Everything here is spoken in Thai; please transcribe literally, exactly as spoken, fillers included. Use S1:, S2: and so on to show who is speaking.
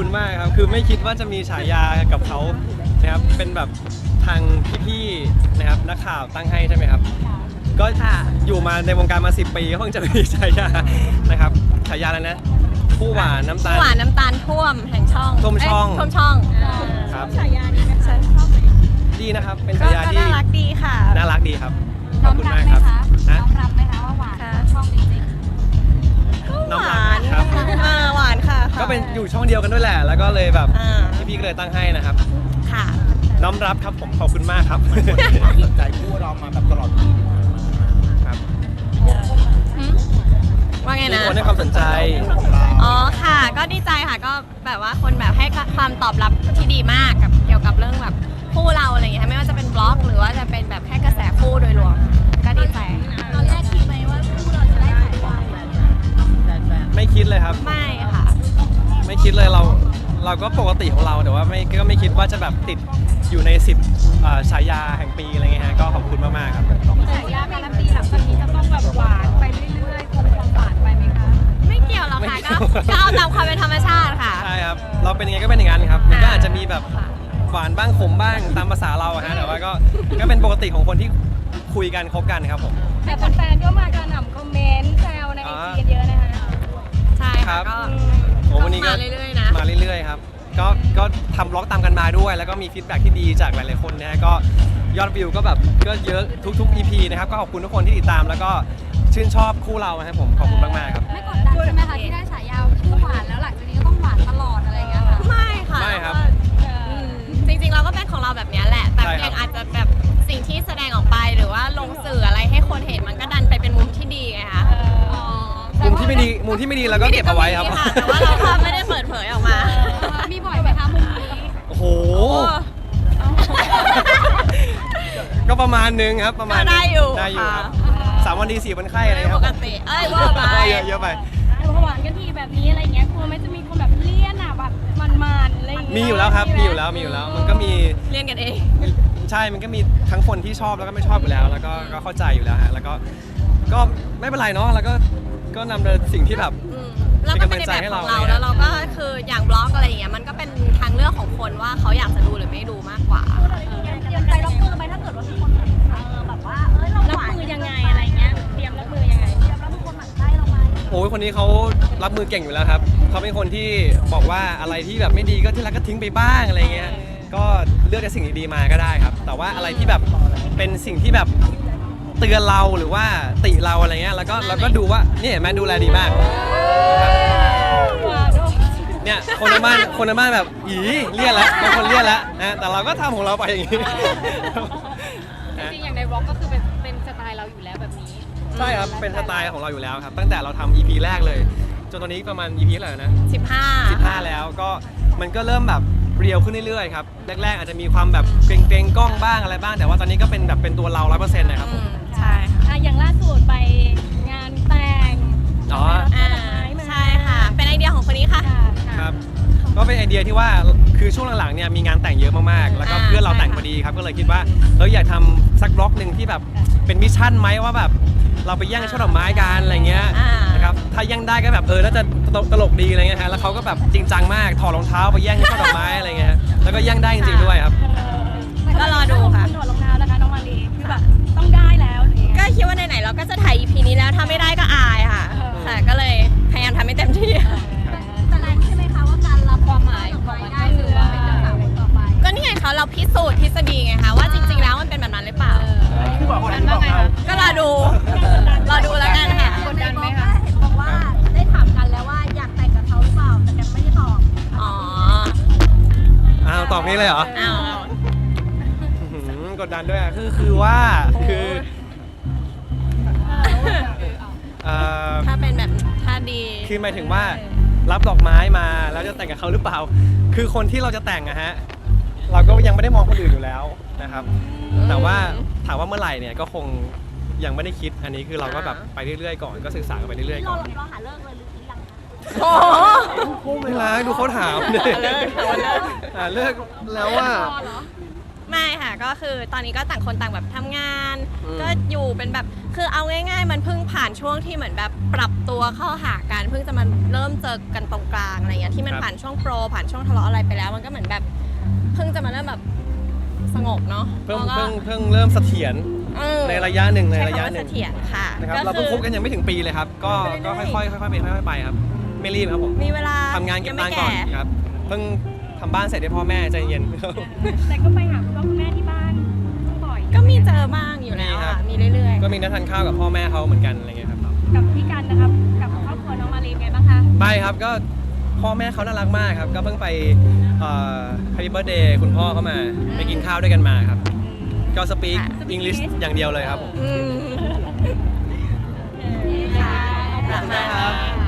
S1: คุณมากครับคือไม่คิดว่าจะมีฉายากับเขานะครับเป็นแบบทางพี่ๆนะครับนักข่าวตั้งให้ใช่ไหมครับก็อยู่มาในวงการมาสิบปีก็เพิ่งจะมีฉายานะครับฉายาอะไรนะผู้หวานน้ำตาล
S2: ผู้หวานน้ำตาลท่วมแห่งช่อง
S1: ท่วมช่อง
S2: ท่วมช่อง
S1: ครับ
S2: ฉายานี้นะคะชอบไหม
S1: ดีนะครับเป็นฉายาที่
S2: น่ารักดีค่ะ
S1: น่ารักดีครับขอบคุณมากครับ
S3: น้องรับไหมคะว่าหวานช่องจริง
S2: ๆก็หวานครับหวานค่ะ
S1: ก็เป็นอยู่ช่องเดียวกันด้วยแหละแล้วก็เลยแบบพี่ๆก็เลยตั้งให้นะครับ
S2: ค่ะ
S1: น้อมรับครับผมขอบคุณมากครับ
S4: สนใจคู่เรามาแบบตลอดปี
S1: ครับ
S2: ว่าไงนะ
S1: คนให้ความสนใจ
S2: อ๋อค่ะก็ดีใจค่ะก็แบบว่าคนแบบให้ความตอบรับที่ดีมากกับเกี่ยวกับเรื่องแบบคู่เราอะไรอย่างเงี้ยไม่ว่าจะเป็นบล็อกหรือว่าจะเป็นแบบแค่กระแสคู่โดยรวมก็ดีใจ
S3: ตอนแรกคิดไหมว่าคู่เราจะได้ถ่ายได้
S1: ไม่คิดเลยครับ
S2: ไม่ค่ะ
S1: ไม่คิดเลยเราเราก็ปกติของเราแต่ว่าไม่ก็ไม่คิดว่าจะแบบติดอยู่ในสิบฉายาแห่งปีอะไรเงี้ยฮะก็ขอบคุณมากๆครับ
S3: ฉายาการันตีหลังจากนี้จะต้องแบบหวานไปเรื่อยๆคงความหวานไปไหมคะ
S2: ไม่เกี่ยวหรอกค่ะก็ก็เอาตามความเป็นธรรมชาติค่ะ
S1: ใช่ครับเราเป็นยังไงก็เป็นอย่างนั้นครับมันก็อาจจะมีแบบหวานบ้างขมบ้างตามภาษาเราอะฮะแต่ว่าก็ก็เป็นปกติของคนที่คุยกันคบกันครับผม
S3: แต่แฟนๆก็มากระหน่ำคอมเมนต์แซวในไอจีเยอะนะคะ
S2: ใช่ค่ะก็
S1: โอ้วันนี้ก็
S2: มาเรื่อยๆนะ
S1: มาเรื่อยๆครับก็ก็ทำบล็อกตามกันมาด้วยแล้วก็มีฟีดแบ็กที่ดีจากหลายๆคนนะฮะก็ยอดวิวก็แบบก็เยอะทุกๆ อี พี นะครับก็ขอบคุณทุกคนที่ติดตามแล้วก็ชื่นชอบคู่เราครับผมขอบคุณมากๆครับ
S3: ไม่กดดันใช่ไหมคะที่ได้ฉายาคู่หวานแล้วหลังจากนี้ก็ต้องหวานตลอดอะไรอย่างเงี้ยค่ะ
S2: ไม่ค่ะ
S1: ไม่ครับ
S2: จริงๆเราก็เป็นของเราแบบนี้แหละแต่เพียงอาจจะแบบสิ่งที่แสดงออกไปหรือว่าลงสื่ออะไรให้คนเห็นมันก็ดันไปเป็นมุมที่ดีไงคะ
S1: มุมที่ไม่ดีมุมที่ไม่ดีเราก็เก็บเอาไว้ครับ
S2: แต่ว่าเราไม่ได้เปิดเผยออกมา
S3: มีบ่อยไหมคะมุมนี้
S1: โอ้โหก็ประมาณนึงครับประมาณ
S2: ได้อยู่
S1: ได้อยู่ครับสามวันดีสี่วันไข้อะไรครับ
S2: ปกติเอ้ยว่าไป
S1: เยอะเยอะไป
S3: หวานกันทีแบบนี้อะไรเงี้ยกลัวไหมจะมีคนแบบเลี่ยนอ่ะแบบมันๆอะไรอย่างเงี้ย
S1: มีอยู่แล้วครับมีอยู่แล้วมีอยู่แล้วมันก็มี
S2: เลี่ยนกันเอง
S1: ใช่มันก็มีทั้งคนที่ชอบแล้วก็ไม่ชอบอยู่แล้วแล้วก็ก็เข้าใจอยู่แล้วฮะแล้วก็ก็ไม่เป็นไรเนาะแล้วก็ก็นำเดินสิ่งที่แบบ
S2: เราก็เป็นในแบบของเราแล้วเราก็คืออย่างบล็อกอะไรอย่างเงี้ยมันก็เป็นทางเลือกของคนว่าเขาอยากจะดูหรือไม่ดูมากกว่า
S3: เตรียมใจรับมือไหมถ้าเกิดว่ามีคนเออแบบว่าเอ้ยเรารับมือยังไงอะไรเงี้ยเตรียมรับมือยังไงเตรียมรับมือคนหมั่นไส้เราไหม
S1: โอ้ยคนนี้เขารับมือเก่งอยู่แล้วครับเขาเป็นคนที่บอกว่าอะไรที่แบบไม่ดีก็ที่รักก็ทิ้งไปบ้างอะไรเงี้ยก็เลือกแต่สิ่งดีๆมาก็ได้ครับแต่ว่าอะไรที่แบบเป็นสิ่งที่แบบเตือนเราหรือว่าติเราอะไรเงี้ยแล้วก็เราก็ดูว่านี่แม่ดูแลดีมากเนี่ยคนในบ้านคนในบ้านแบบอีเลี่ยนแล้วบางคนเลี่ยนแล้วนะแต่เราก็ทำของเราไปอย่างนี้
S3: จริงๆอย่างในบล็อกก็คือเป็นเป็นสไตล์เราอยู่แล้วแบบนี้
S1: ใช่ครับเป็นสไตล์ของเราอยู่แล้วครับตั้งแต่เราทำ อี พี แรกเลยจนตอนนี้ประมาณ อี พี อะไรนะ
S2: สิบห้า
S1: สิบห้าแล้วก็มันก็เริ่มแบบเรียวขึ้นเรื่อยๆครับแรกๆอาจจะมีความแบบเกรงๆกล้องบ้างอะไรบ้างแต่ว่าตอนนี้ก็เป็นแบบเป็นตัวเรา ร้อยเปอร์เซ็นต์ นะครับ
S2: ใช่
S3: ค่ะอย่างล่าสุดไปงานแต่ง
S1: อ๋อ
S2: ใช่ค่ะเป็นไอเดียของคนนี้ค่ะ
S1: ครับก็เป็นไอเดียที่ว่าคือช่วงหลังๆเนี่ยมีงานแต่งเยอะมากๆแล้วก็เพื่อนเราแต่งพอดีครับก็เลยคิดว่าเราอยากทำสักบล็อกหนึ่งที่แบบเป็นมิชชั่นไหมว่าแบบเราไปแย่งช่อดอกไม้กันอะไรเงี้ยนะครับถ้าแย่งได้ก็แบบเออน่าจะตลกดีอะไรเงี้ยฮะแล้วเขาก็แบบจริงจังมากถอดรองเท้าไปแย่งช่อดอกไม้อะไรเงี้ยแล้วก็แย่งได้จริงๆด้วยครับ
S2: ก็รอดูค่ะ
S3: ถอดรองเท้านะคะน้องมาลีคือแบบต้องได้แล้ว
S2: ก็คิดว่าไหนๆเราก็จะถ่าย อี พี นี้แล้วถ้าไม่ได้ก็อายค่ะค่ะก็เลยพยายามทำให้เต็มที่
S3: แต่แรงใช่ไหมคะว่าการรับความหมายของมันได้หรือว่าเป็นเจ้าสาวคนต่อไป
S2: ก็นี่ไงเขาเราพิสูจน์ทฤษฎีไงคะว่าจริงๆแล้วมันเป็นแบบนั้นหรือเปล่าก็รอดูรอดูแล้วกันค่ะ
S3: กดดันไหมคะเห็นบอกว่าได้ถามกันแล้วว่าอยากแต่งกับเขาหรือเปล่าแต่กันไม่ได้ตอบ
S2: อ๋อ
S1: อ้าวตอบนี้เลยเหรอ
S2: อ้าว
S1: กดดันด้วยอ่ะคือคือว่าคือ
S2: ถ้าเป็นแบบถ้าดี
S1: คือหมายถึงว่ารับดอกไม้มาแล้วจะแต่งกับเขาหรือเปล่าคือคนที่เราจะแต่งอะฮะเราก็ยังไม่ได้มองคนอื่นอยู่แล้วนะครับแต่ว่าถามว่าเมื่อไหร่เนี่ยก็คงยังไม่ได้คิดอันนี้คือเราก็แบบไปเรื่อยๆก่อนก็ศึกษากันไปเรื่อยๆก่อน
S3: เราหาเลิกเลยหรือยัง
S2: โอ้
S1: โหไม่รักดูเขาถามเนี่ยหาเลิกแล้วว่า
S2: ไม่ค่ะก็คือตอนนี้ก็ต่างคนต่างแบบทำงาน
S1: อืม
S2: ก็อยู่เป็นแบบคือเอาง่ายๆ มันเพิ่งผ่านช่วงที่เหมือนแบบปรับตัวเข้าหากันเพิ่งจะมาเริ่มเจอกันตรงกลางอะไรเงี้ยที่มันผ่านช่วงโปรผ่านช่วงทะเลาะอะไรไปแล้ว มันก็เหมือนแบบเพิ่งจะมาเริ่มแบบสงบเนาะ
S1: เพิ่ง
S2: แล้วก็
S1: เพิ่งเพิ่งเริ่มเสถียร
S2: เออ
S1: ในระยะหนึ่งใน
S2: ใช้
S1: ระ
S2: คำ
S1: ยะ
S2: ว่า
S1: ห
S2: เส
S1: นึ่ง
S2: ถียรค่ะ
S1: นะครับ
S2: ก็
S1: เราเพิ่ง
S2: คือ
S1: คบกันยังไม่ถึงปีเลยครับ ก็
S2: ไปเรื่
S1: ก็
S2: อยๆ
S1: ค่อยๆค่อยๆเป็นค่อยๆไปครับ ไม่รีบครับผม
S2: มีเวลา
S1: ทำงานเก็บ
S2: ยั
S1: ตังค์
S2: ไม่
S1: ก่อน
S2: แ
S1: ครับเพิ่งทำบ้านเสร็จให้พ่อแม่ใจเย็น
S3: แต่ก็ไปหาคุณพ่อคุณแม่ที่บ้านบ่อย
S2: ก็มีเจอบ้างอยู่แล้ว
S1: มีครั
S2: อ่ะ
S1: บ
S2: มีเรื่อย
S1: ก็มีนัดทานข้าวกับพ่อแม่เขาเหมือนกันอะไรเงี้ยครับ
S3: กับพี่กันนะครับ กับครอบครัวน้องมารีไงบ้างคะ
S1: ไปครับก็พ่อแม่เขาน่ารักมากครับ ก็เพิ่งไปเอ่อ Happy Birthday คุณพ่อเขามาไปกินข้าวด้วยกันมาครับ ก็สปีกอังกฤษอย่างเดียวเลยครับผม
S2: ๆอืม
S3: ค่ะ
S1: ขอบคุณนะครับ